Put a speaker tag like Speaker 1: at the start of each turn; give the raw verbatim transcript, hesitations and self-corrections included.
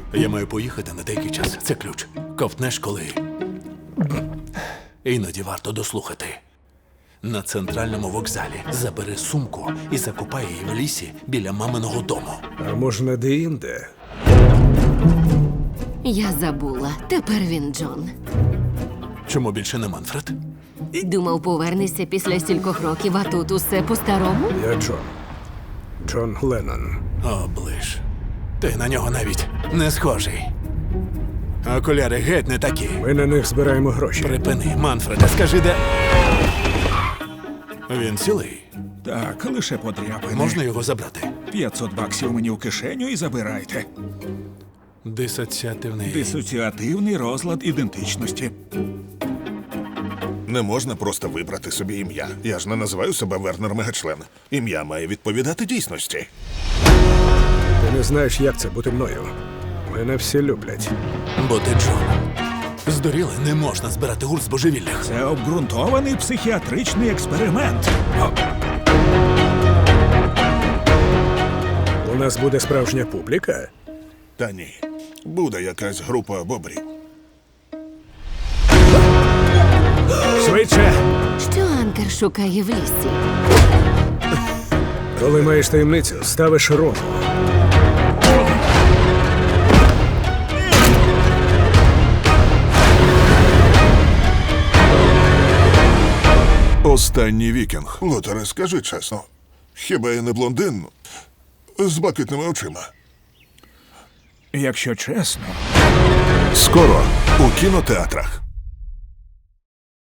Speaker 1: Я маю поїхати на деякий час. Це ключ. Ковтнеш коли. Іноді варто дослухати. На центральному вокзалі забери сумку і закопай її в лісі біля маминого дому.
Speaker 2: А можна де-інде?
Speaker 3: Я забула. Тепер він Джон.
Speaker 1: Чому більше не Манфред?
Speaker 3: Думав, повернешся після стількох років, а тут усе по-старому?
Speaker 2: Я Джон. Джон Леннон.
Speaker 1: О, ближ. Ти на нього навіть не схожий. Окуляри геть не такі.
Speaker 2: Ми на них збираємо гроші.
Speaker 1: Припини, Манфреде, скажи, де. Він цілий.
Speaker 4: Так, лише подряпини.
Speaker 1: Можна його забрати?
Speaker 4: п'ятсот баксів мені в кишеню і забирайте.
Speaker 1: Дисоціативний.
Speaker 4: Дисоціативний розлад ідентичності.
Speaker 5: Не можна просто вибрати собі ім'я. Я ж не називаю себе Вернер Мегачлен. Ім'я має відповідати дійсності.
Speaker 2: Ти не знаєш, як це бути мною. Мене всі люблять.
Speaker 1: Бо ти Джон. Здуріли, не можна збирати гурт з божевіллях.
Speaker 4: Це обґрунтований психіатричний експеримент.
Speaker 2: У нас буде справжня публіка.
Speaker 5: Та ні. Буде якась група бобрів.
Speaker 2: Швидше!
Speaker 3: Що Анкер шукає в лісі?
Speaker 2: Коли маєш таємницю, ставиш рому.
Speaker 5: Останній вікінг. Лотере, скажи чесно. Хіба я не блондин з блакитними очима?
Speaker 4: Якщо чесно,
Speaker 5: Скоро у кінотеатрах.